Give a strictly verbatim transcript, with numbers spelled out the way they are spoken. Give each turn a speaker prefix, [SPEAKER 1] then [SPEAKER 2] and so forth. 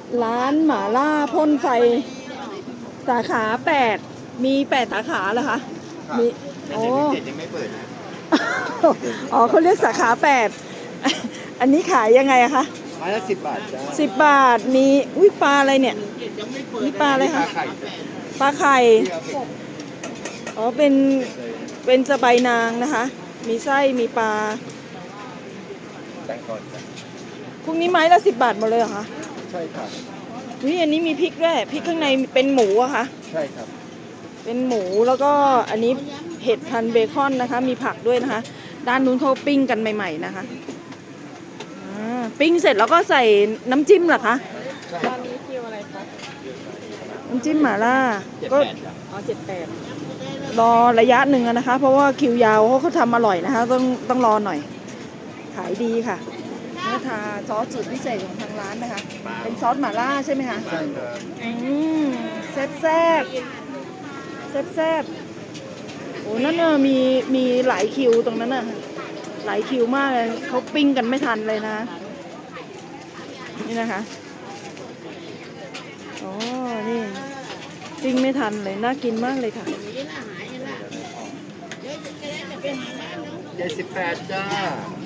[SPEAKER 1] ร้านหม่าล่าพ่นไฟสาขาแปดมีแปดสาขาเหรอคะมี
[SPEAKER 2] แต่
[SPEAKER 1] โอ้
[SPEAKER 2] เจ็ดยังไม่เปิดนะ
[SPEAKER 1] อ๋อเขาเรียกสาขาแปดอันนี้ขายยังไงอะคะ
[SPEAKER 2] ไม้ละสิบบาทจ้า
[SPEAKER 1] สิบบาทมีอุ้ยปลาอะไรเนี่ยนี่ปลาอะไรคะ
[SPEAKER 2] ไข่
[SPEAKER 1] ปลาไข่อ๋อเป็นเป็นสะใบนางนะคะ มีไส้มีปลา
[SPEAKER 2] แตงก่อนจ้ะ
[SPEAKER 1] พวกนี้ไม้ละสิบบาทหมดเลยเหรอคะ
[SPEAKER 2] ใช่ครับ
[SPEAKER 1] นี่อันนี้มีพริกด้วยพริกข้างในเป็นหมูอะคะ
[SPEAKER 2] ใช่ครับ
[SPEAKER 1] เป็นหมูแล้วก็อันนี้เห็ดพันเบคอนนะคะ มีผักด้วยนะคะ ด้านนู้นเขาปิ้งกันใหม่ๆนะคะปิ้งเสร็จแล้วก็ใส่น้ำจิ้มเหรอคะ
[SPEAKER 2] ตอนนี้คิวอะไรครับ
[SPEAKER 1] น้ำจิ้มหม่าล่าก็
[SPEAKER 2] อ๋อเจ็ดแปด
[SPEAKER 1] รอระยะหนึ่งนะคะ เพราะว่าคิวยาวเขาเขาทำอร่อยนะคะต้องต้องรอหน่อยขายดีค่ะเนื้อทาซอสสูตรพิเศษของทางร้านนะคะเป็นซอสหม่าล่าใช่ไหมคะ
[SPEAKER 2] ใช่ครับ
[SPEAKER 1] อืมแซ่บแซ่บแซ่บแซ่บโอ้นั่นน่ะมีมีหลายคิวตรงนั้นน่ะหลายคิวมากเลยเขาปิ้งกันไม่ทันเลยนะนี่นะคะอ๋อนี่ปิ้งไม่ทันเลยน่ากินมากเลยค่ะ
[SPEAKER 2] เจ็ดสิบแปดจ้า